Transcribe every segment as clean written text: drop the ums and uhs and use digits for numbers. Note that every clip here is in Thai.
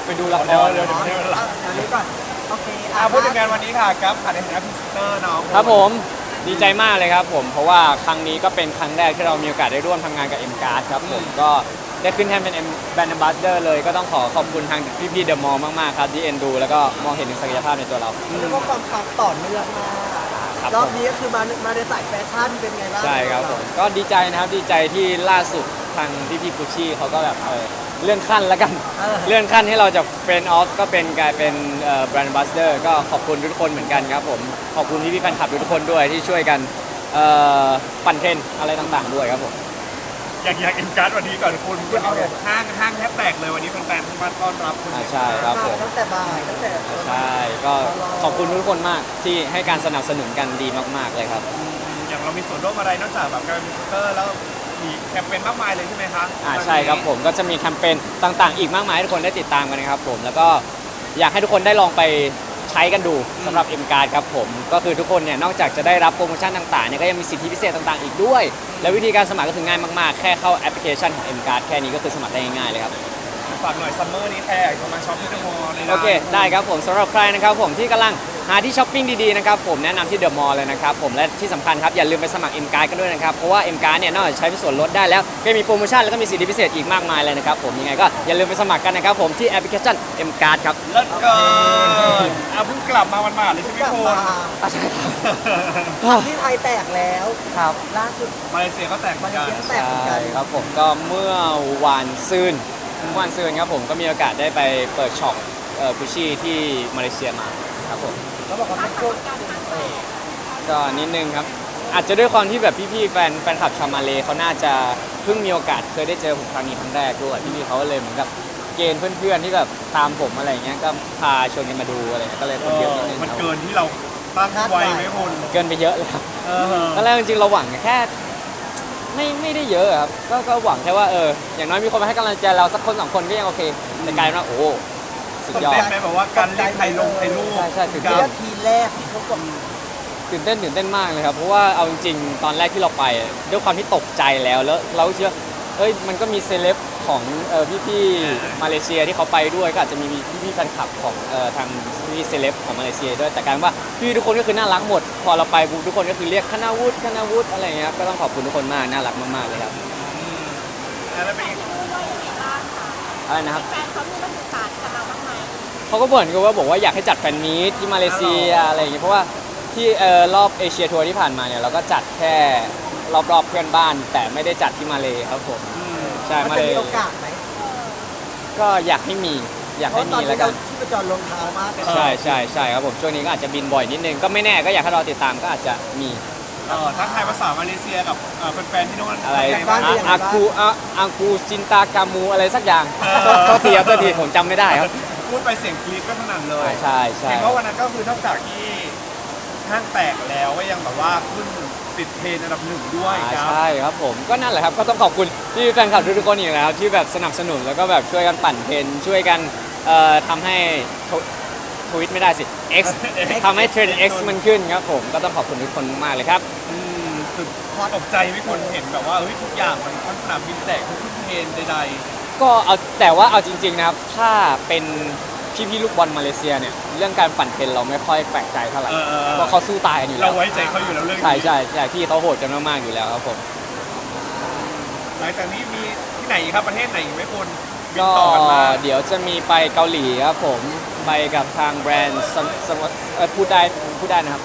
ไปดูละครเดี๋ยวไม่ได้เวลาอันนี้ก่อนโอเคพูดถึงงานวันนี้ค่ะกับผ่านในฐานะพรีเซนเตอร์น้องครับผมดีใจมากเลยครับผมเพราะว่าครั้งนี้ก็เป็นครั้งแรกที่เรามีโอกาสได้ร่วมทำงานกับ M Card ครับผมก็ได้ขึ้นแทนเป็น Brand Ambassador เลยก็ต้องขอบคุณทางพี่ๆเดอะมอลล์มากๆครับที่เอ็นดูแล้วก็มองเห็นถึงศักยภาพในตัวเราเรียกว่าความปังต่อเนื่องมากครับรอบนี้ก็คือมาในสายแฟชั่นเป็นไงบ้างใช่ครับผมก็ดีใจนะครับดีใจที่ล่าสุดทางพี่ๆกุชชี่เขาก็แบบเลื่อนขั้นแล้วกัน เลื่อนขั้นให้เราจาก Friend of ก็เป็นกลายเป็นBrand Ambassador ก็ขอบคุณทุกคนเหมือนกันครับผมขอบคุณพี่ๆแฟนคลับทุกคนด้วยที่ช่วยกันปั่นเทรนด์อะไรต่างๆด้วยครับผมอยากอินการ์ดวันนี้ก่อนคุณเอาห้างแทบแตกเลยวันนี้แฟนๆมาต้อนรับคุณใช่ครับผมตั้งแต่บ่ายตั้งแต่ใช่ก็ขอบคุณทุกคนมากที่ให้การสนับสนุนกันดีมากๆเลยครับอย่างเรามีส่วนร่วมอะไรนอกจากแบบการเป็นพรีเซนเตอร์แล้วมีแคมเปญมากมายเลยใช่ไหมคะใช่ครับผมก็จะมีแคมเปญต่างๆ อีกมากมายให้ทุกคนได้ติดตามกันนะครับผมแล้วก็อยากให้ทุกคนได้ลองไปใช้กันดูสำหรับ M Card ครับผมก็คือทุกคนเนี่ยนอกจากจะได้รับโปรโมชั่นต่างๆเนี่ยก็ยังมีสิทธิพิเศษต่างๆอีกด้วย และวิธีการสมัครก็คือง่ายมากๆแค่เข้าแอปพลิเคชันของ M Card แค่นี้ก็คือสมัครได้ง่ายๆเลยครับฝากหน่อยซัมเมอร์นี้แค่จะมาช็อปที่เดอะมอลล์เลยนะโอเคได้ครับผมสำหรับใครนะครับผมที่กำลังหาที่ช้อปปิ้งดีๆนะครับผมแนะนำที่เดอะมอลล์เลยนะครับผมและที่สำคัญครับอย่าลืมไปสมัคร M Card กันด้วยนะครับเพราะว่า M Card เนี่ยนอกจากใช้เป็นส่วนลดได้แล้วก็มีโปรโมชั่นแล้วก็มีสิทธิพิเศษอีกมากมายเลยนะครับผมยังไงก็อย่าลืมไปสมัครกันนะครับผมที่แอปพลิเคชัน M Card ครับเลิศเกินเพิ่งกลับมาวันๆเลยใช่ไหมกลับคุณมาใช่ครับที่ไทยแตกแล้วครับล่าสุดมาเลเซียก็แตกเหมืมาอนเลกันเซียแตกเหมือนกัใช่นครับผมก็เมื่อวานซืนครับผมก็มีโอกาสได้ไปเปิดช็อปกุชชี่ที่มาเลเซียมาครับผมเขาบอกว่าเป็นช่วงก็นิดนึงครับอาจจะด้วยความที่แบบพี่ๆแฟนคลับชาวมาเลเขาน่าจะเพิ่งมีโอกาสเคยได้เจอผมครั้งนี้ครั้งแรกด้วยพี่ๆเขาก็เลยเหมือนกับเกณฑ์เพื่อนๆที่แบบตามผมอะไรเงี้ยก็พาชวนกันมาดูอะไรเงี้ยก็เลยคนเยอะนิดนึงมันครับเกินที่เราตั้งไว้ไหมคุณเกินไปเยอะเลยครับเออตอนแรกจริงๆเราหวังแค่ไม่ได้เยอะครับก็หวังแค่ว่าอย่างน้อยมีคนมาให้กำลังใจเราสักคนสองคนก็ยังโอเคแต่กลายเป็นว่าโอ้สุดตื่นยอดเต้นไหมแบบว่าการเล่นไทยลงไทยรูปใช่ตื่นเรีเต้ยกทีแรกที่เขากดตื่นเต้นมากเลยครับเพราะว่าเอาจริงๆตอนแรกที่เราไปด้วยความที่ตกใจแล้วเราเชื่อมันก็มีเซเลบของพี่ๆมาเลเซียที่เขาไปด้วยก็อาจจะมีพี่ๆแฟนคลับของทางพี่เซเลบของมาเลเซียด้วยแต่การว่าพี่ทุกคนก็คือน่ารักหมด พอเราไปทุกคนก็คือเรียกคณาวุฒิอะไรอย่างเงี้ยครับก็ต้องขอบคุณทุกคนมากน่ารักมากๆเลยครับแล้วเป็นอะไรนะครับแฟนเขามีมาสื่อสารกับเราบ้างไหมเขาก็บ่นกันว่าบอกว่าอยากให้จัดแฟนมีตที่มาเลเซียอะไรอย่างเงี้ยเพราะว่าที่รอบเอเชียทัวร์ที่ผ่านมาเนี่ยเราก็จัดแค่รอบเพื่อนบ้าน แต่ไม่ได้จัดที่มาเลครับผมใช่มันมาจะเลมีโอกาสไหมก็อยากให้มีอยากเพให้ราะตอมีนแล้วนี้กัเรานที่ประจรลงเท้ามากเลยใช่ครับผมช่วงนี้ก็อาจจะบินบ่อยนิดนึงก็ไม่แน่ก็อยากให้เราติดตามก็อาจจะมีทักทายภาษามาเลเซียกับแฟนๆที่โน่นอะไรเป็นงบ้างอากูจินตากามูอะไรสักอย่างโทษทีผมจำไม่ได้ครับพูดไปเสียงกรี๊ดก็สนั่นเลยใช่เห็นว่าวันนั้นก็คือนอกจากที่ห้างแตกแล้วก็ยังแบบว่าขึ้นติดเทรนด์อันดับหนึ่งด้วยครับใช่ครับผมก็นั่นแหละครับก็ต้องขอบคุณที่แฟนคลับทุกๆคนอีกแล้วที่แบบสนับสนุนแล้วก็แบบช่วยกันปั่นเทรนด์ช่วยกันทำให้ทวิตไม่ได้สิ X ทำให้เทรนด์ X มันขึ้นครับผมก็ต้องขอบคุณทุกคนมากเลยครับสุดตกใจไม่คนเห็นแบบว่าทุกอย่างมันทั้งสนามบินแตกทุกเทรนด์ใดก็เอาแต่ว่าเอาจริงๆนะครับถ้าเป็นพี่ลูกบอลมาเลเซียเนี่ยเรื่องการปั่นเทรนด์เราไม่ค่อยแปลกใจเท่าไหร่เพราะเขาสู้ตายกันอยู่ๆแล้เราวไว้ใจเขาอยู่แล้วเรื่องใช่นี้ใช่พี่เขาโหดกันมากๆอยู่แล้วครับผมหลังจากนี้มีที่ไหนอีกครับประเทศไหนอีกไหมคุณบินก็ต่อกันมาเดี๋ยวจะมีไปเกาหลีครับผมไปกับทางแบรนด์พูดได้นะครับ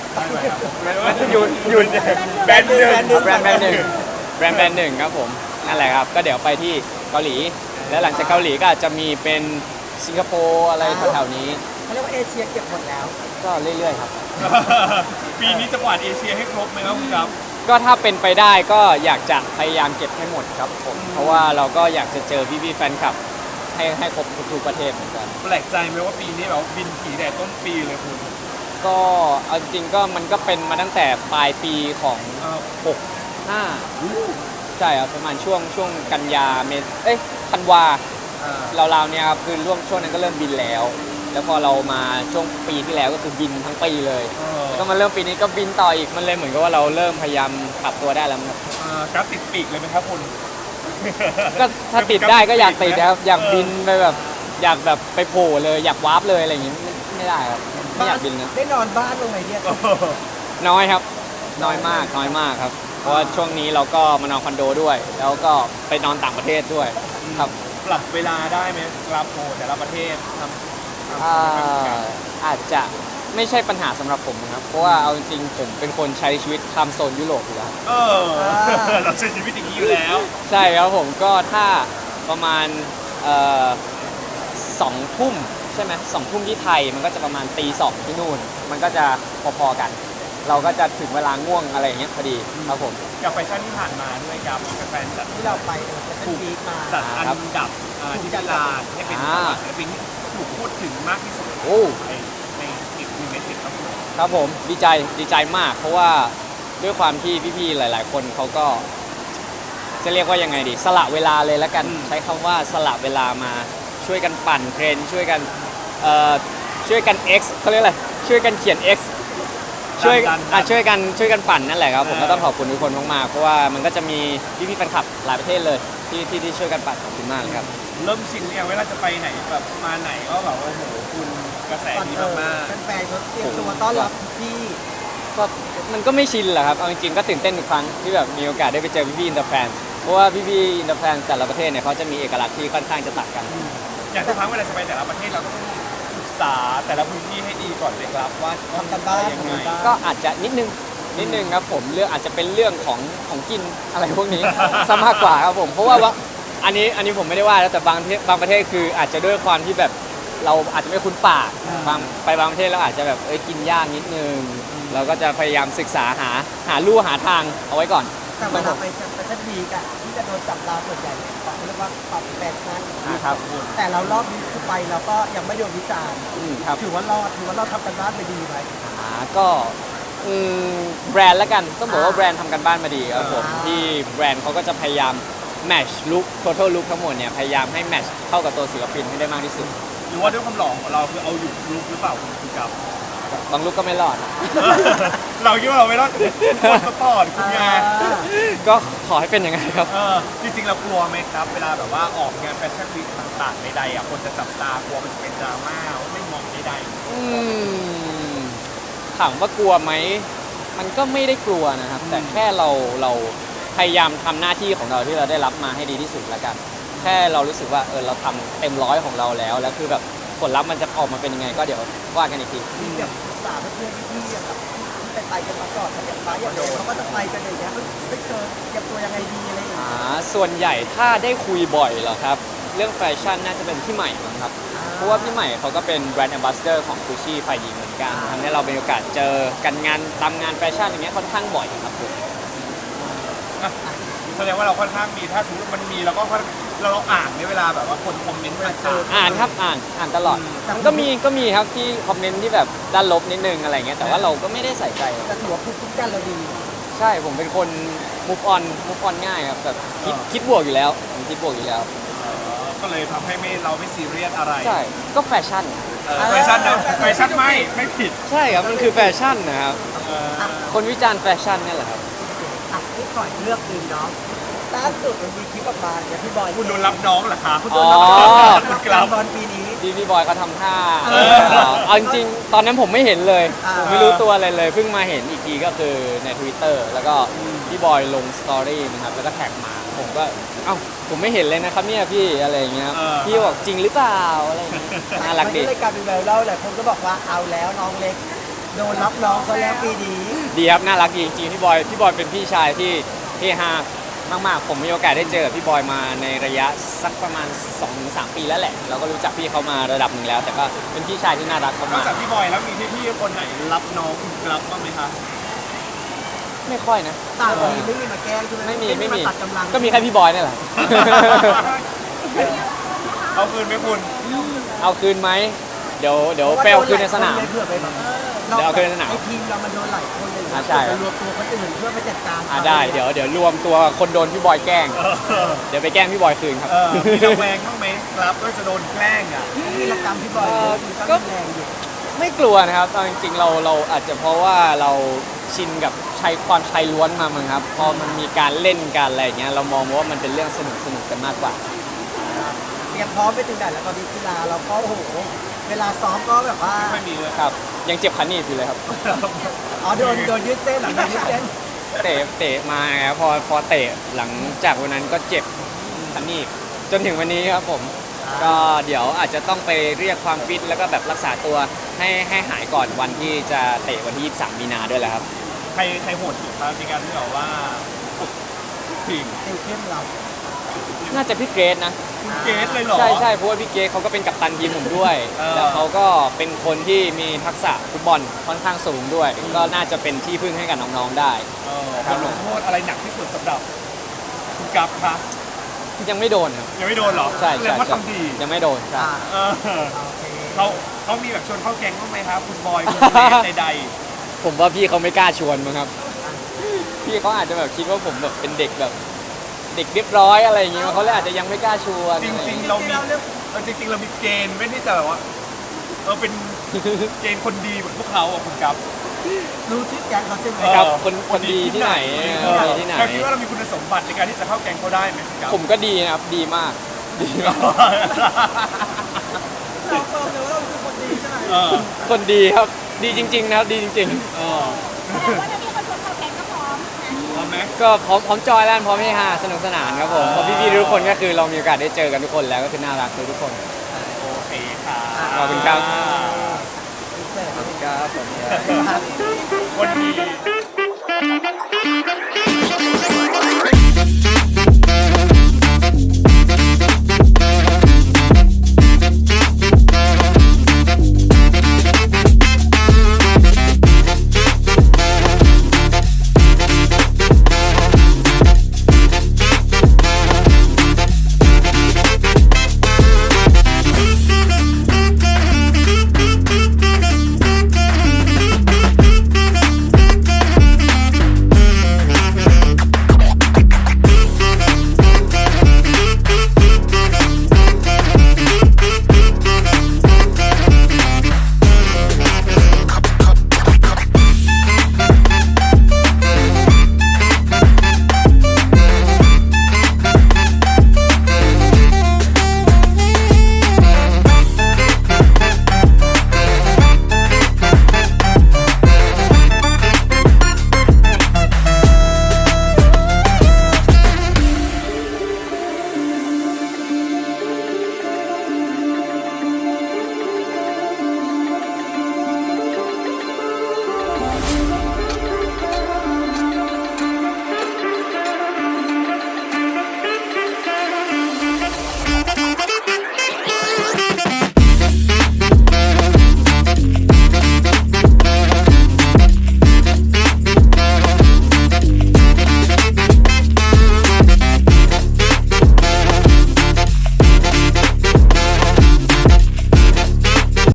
หยุดแบรนด์หนึ่งแบรนด์หนึ่งครับผมนั่นแหละครับก็เดี๋ยวไปที่เกาหลี แล้วหลังจากเกาหลีก็อาจจะมีเป็นสิงคโปร์อะไรแถวๆนี้เขาเรียกว่าเอเชียเก็บหมดแล้วก็เรื่อยๆครับปีนี้จะกวาดเอเชียให้ครบไหมครับคุณครับก็ถ้าเป็นไปได้ก็อยากจะพยายามเก็บให้หมดครับผมเพราะว่าเราก็อยากจะเจอพี่ๆแฟนคลับให้ครบทุกประเทศเหมือนกันแปลกใจไหมว่าปีนี้แบบบินผีแต่ต้นปีเลยคุณก็เอาจริงๆก็มันก็เป็นมาตั้งแต่ปลายปีของ65ใช่ครับประมาณช่วงกันยาธันวาราวๆเนี่ยครับคือช่วงนั้นก็เริ่มบินแล้ว แล้วพอเรามาช่วงปีที่แล้วก็คือบินทั้งปีเลยแล้วก็มาเริ่มปีนี้ก็บินต่ออีกมันเลยเหมือนกับว่าเราเริ่มพยายามปรับตัวได้แล้วครับกราฟติดปีกเลยไหมครับคุณก็ถ้าติดได้ก็อยากติดนะครับอยากบินไปแบบอยากแบบไปโผล่เลยอยากวาร์ปเลยอะไรอย่างงี้ไม่ได้ครับไม่อยากบินนะได้นอนบ้านลงไหนเนี่ยน้อยครับน้อยมากครับเพราะว่าช่วงนี้เราก็มานอนคอนโดด้วย แล้วก็ไปนอนต่างประเทศด้วยครับปรับเวลาได้ไหมครับโอ้แต่ละประเทศทำอ่าอาจจะไม่ใช่ปัญหาสำหรับผมนะครับเพราะว่าเอาจริงๆผมเป็นคนใช้ชีวิตทำโซนยุโรปอยู่แล้วเออเราใช้ชีวิตอย่างนี้อยู่แล้วใช่ครับผมก็ถ้าประมาณสองทุ่มใช่ไหม2 ทุ่มที่ไทยมันก็จะประมาณตี 2ที่นู่น มันก็จะพอๆกัน เราก็จะถึงเวลาง่วงอะไรอย่างเงี้ยพอดีครับผมกับแฟชั่นที่ผ่านมาด้วยครับแฟนๆจัดที่เราไปจะเป็นวีคมาจัดอันดับที่ตลาดให้เป็นศิลปินที่ถูกพูดถึงมากที่สุดโอ้ในอีก1 ใน 10ครับผมครับผมดีใจมาก เพราะว่าด้วยความที่พี่ๆหลาย ๆ คนเขาก็ จะเรียกว่ายังไงดีสละเวลาเลยแล้วกันใช้คำว่าสละเวลามาช่วยกันปั่นเทรนด์ช่วยกันX เขาเรียกอะไรช่วยกันเขียน X ช่วยช่วยกันปั่นนั่นแหละครับผมก็ต้องขอบคุณทุกคนมากๆเพราะว่ามันก็จะมีพี่ๆแฟนคลับหลายประเทศเลยที่ช่วยกันปั่นขอบคุณมากเลยครับเริ่มชินเนี่ยเวลาจะไปไหนแบบมาไหนก็แบบโอ้โหคุณกระแสดีมากแฟนๆเขาเตรียมตัวต้อนรับพี่ก็มันก็ไม่ชินแหละครับเอาจริงๆก็ตื่นเต้นทุกครั้งที่แบบมีโอกาสได้ไปเจอพี่ๆอินเตอร์แฟนเพราะว่าพี่ๆอินเตอร์แฟนแต่ละประเทศเนี่ยเขาจะมีเอกลักษณ์ที่ค่อนข้างจะต่างกันๆอย่างทุกครั้งเวลาจะไปแต่ละประเทศเราก็ต้องศึกษาแต่ละพื้นที่ให้ดีก่อนเลยครับว่าทำกันบ้านยังไงก็อาจจะนิดนึงครับผมเรื่องอาจจะเป็นเรื่องของกินอะไรพวกนี้ ซะมากกว่าครับผมเพราะว่าอันนี้ผมไม่ได้ว่าแล้วแต่บางประเทศคืออาจจะด้วยความที่แบบเราอาจจะไม่คุ้นปากบางประเทศเราอาจจะแบบกินยากนิดนึงเราก็จะพยายามศึกษาหาลู่หาทางเอาไว้ก่อนแต่เวลาไปแฟชั่นวีคอะที่จะโดนจับตาส่วนใหญ่เขาเรียกว่าปรับแฟชั่นนะครับแต่เรารอบนี้คือไปเราก็ยังไม่โดนวิจารณ์ครับถือว่าเราทำกันบ้านไปดีไหมก็แบรนด์แล้วกันต้องบอกว่าแบรนด์ทำกันบ้านมาดีครับผมอ่าที่แบรนด์เขาก็จะพยายามแมทช์ลุค total look ทั้งหมดเนี่ยพยายามให้แมทช์เข้ากับตัวศิลปินให้ได้มากที่สุดหรือว่าด้วยความหล่อของเราคือเอาอยู่ลุกหรือเปล่าคุณครับบางลุคก็ไม่รอดเราคิดว่าเราไม่รอดคนสปอร์ตคุณไงก็ขอให้เป็นอย่างนั้นครับจริงๆเรากลัวไหมครับ เวลาแบบว่าออกงานแฟชั่นวีคต่างๆใดๆอ่ะคนจะจับตากลัวมันจะเป็นดราม่าว่าไม่เหมองใดอืมถามว่ากลัวไหมมันก็ไม่ได้กลัวนะครับ แต่แค่เราพยายามทำหน้าที่ของเราที่เราได้รับมาให้ดีที่สุดแล้วกัน แค่เรารู้สึกว่าเราทำเต็มร้อยของเราแล้วคือแบบผลลัพธ์มันจะออกมาเป็นยังไงก็เดี๋ยวว่ากันอีกทีมีแบบศึกษาเพื่อนๆพี่ๆอะครับที่ไปกันมาก่อนอย่างไปอย่างเดียวเขาก็จะไปกันอย่างเงี้ยไม่เจอเตรียมตัวยังไงดีอะไรอย่างเงี้ยส่วนใหญ่ถ้าได้คุยบ่อยเหรอครับ เรื่องแฟชั่นน่าจะเป็นพี่ใหม่มั้งครับ เพราะว่าพี่ใหม่เขาก็เป็นแบรนด์แอมบาสเดอร์ของกุชชี่ฝ่ายหญิงเหมือนกันทำให้เราเป็นโอกาสเจอกันตามงานแฟชั่นอย่างเงี้ยค่อนข้างบ่อยครับผมๆแสดงว่าเราค่อนข้างมีถ้าสมมติมันมีเราก็เราอ่านในเวลาแบบว่าคนคอมเมนต์ต่างๆอ่านครับอ่านตลอดมันก็มีครับที่คอมเมนต์ที่แบบด้านลบนิดนึงอะไรเงี้ยแต่ว่าเราก็ไม่ได้ใส่ใจแต่ถือว่าภูมิคุ้มกันเราดีใช่ผมเป็นคน move on ง่ายครับแบบคิดบวกอยู่แล้วผมคิดบวกอยู่แล้วก็เลยทำให้เราไม่ซีเรียสอะไรใช่ก็แฟชั่นแฟชั่นนะแฟชั่นไม่ผิดใช่ครับมันคือแฟชั่นนะครับเออคนวิจารณ์แฟชั่นเนี่ยแหละครับอ่ะนี่ก่อนเลือกคืนเนาะล่าสุดมันมีคลิปออกมาเนี่ยพี่บอยคุณโดนรับน้องเหรอคะคุณโดนรับอ๋อการบอลปีนี้พี่บอยเขาทำท่าเออเอาจริงๆตอนนั้นผมไม่เห็นเลยอ่าผมไม่รู้ตัวอะไรเลย เพิ่งมาเห็นอีกทีก็คือใน Twitter แล้วก็พี่บอยลงสตอรี่นะครับ แล้วก็แท็กมา ผมก็ เอ้า ผมไม่เห็นเลยนะครับเนี่ยพี่อะไรอย่างเงี้ย พี่บอกจริงหรือเปล่าอะไรอย่างเงี้ยน่ารักดีมันก็เลยกลายเป็นแววเล่าแหละคนก็บอกว่าเอาแล้วน้องเล็ก โดนรับน้องเขาแล้วปีนี้ดีครับ น่ารักดีจริงๆพี่บอยเป็นพี่ชายที่เฮฮามากๆ ผมมีโอกาสได้เจอกับพี่บอยมาในระยะสักประมาณ 2-3 ปีแล้วแหละ เราก็รู้จักพี่เขามาระดับหนึ่งแล้ว แต่ก็เป็นพี่ชายที่น่ารักนอกมากจากพี่บอยแล้วมีพี่ๆคนไหนรับน้องคุณรับบ้างไหมคะๆไม่ค่อยนะต่างทีมไม่มีมาแกล้งใช่ไหมไม่มีาตัดกำลังก็มีแค่พี่บอยนี่แหละเอาคืนไหมคุณเอาคืนไหมเดี๋ยวไปเอาคืนในสนามเพื่อไปแบบเดี๋ยวเอาคืนในสนามไอทีมเรามันโดนหลายคนเลยอ่าใช่ไปรวมตัวคนอื่นเพื่อไปจัดการได้เดี๋ยวรวมตัวคนโดนพี่บอยแกล้ง เดี๋ยวไปแกล้งพี่บอยคืนครับมีระแวงบ้างไหมครับว่าจะโดนแกล้งอ่ะมีรกรรมพี่บอยก็ก็แรงอยู่ไม่กลัวนะครับเอาจริงๆเราอาจจะเพราะว่าเราชินกับความชายล้วนมามั้งครับพอมันมีการเล่นกันอะไรอย่างเงี้ยเรามองว่ามันเป็นเรื่องสนุกกันมากกว่าอรียมพร้อมไปถึงไหนแล้วตอนนี้กีฬาเราก็โอ้โหเวลาซ้อมก็แบบว่าไม่มีเลยครับยังเจ็บขาหนีบอยู่เลยครับอ๋อโดนยืดเส้นเหรอโดนยืดเส้นเตะมาครับพอเตะหลังจากวันนั้นก็เจ็บขาหนีบจนถึงวันนี้ครับผมก็เดี๋ยวอาจจะต้องไปเรียกความฟิตแล้วก็แบบรักษาตัวให้หายก่อนวันที่จะเตะวันที่ 23 มีนาด้วยแหละครับใครโหดสุดครับในการที่แบบว่าฝึกทีมติวเข้มเราน่าจะพี่เกรซนะคุณเกสเลยเหรอใช่เพราะว่าพี่เกรซเขาก็เป็นกัปตันทีมผมด้วยเออแล้วเขาก็เป็นคนที่มีทักษะฟุตบอลค่อนข้างสูงด้วย ก็น่าจะเป็นที่พึ่งให้กับน้องๆได้บทลงโทษอะไรหนักที่สุดสำหรับคุณกัฟคะยังไม่โดนครับยังไม่โดนเหรอใช่แสดใช่งว่าใช่ทำดียังไม่โดนใช่อ่าเออโอเคเขามีแบบชวนเข้าแก๊งบ้างไหมครับคุณบอยคุณเกสใดผมว่าพี่เขาไม่กล้าชวนมั้งครับ พี่เขาอาจจะแบบคิดว่าผมแบบเป็นเด็กแบบเด็กเรียบร้อยอะไรอย่างเงี้ยเขาเลยอาจจะยังไม่กล้าชวนๆจอะไรอย่ริงเยๆเรามีจริงๆเรามีเกณฑ์ไม่ที่จะแบบว่าเป็นเกณฑ์คนดีเหมือนพวกเขาอ่ะคุณกัฟรู้ชื่อแก๊งเขาใช่ไหมครับคนดีที่ไหนคนดีที่ไหนเราคิดว่าเรามีคุณสมบัติในการที่จะเข้าแก๊งเขาได้ไหมคุณกัฟผมก็ดีนะครับดีมากดีมากเราเฟิร์มเลยว่าเราคือคนดีใช่ไหมเออคนดีครับดีจริง ๆ นะครับดีจริงเออแต่ว่าจะมีคนชวนเข้าแก๊งก็พร้อมนะพร้อมไหมๆ ก็พร้อมจอยแล้วพร้อมให้ฮาสนุกสนานครับผมเพราะพี่ๆทุกคนก็คือเรามีโอกาสได้เจอกันทุกคนแล้วก็คือน่ารักทุกคนโอเคค่ะขอบคุณครับเสร็จครับผมคนดีเ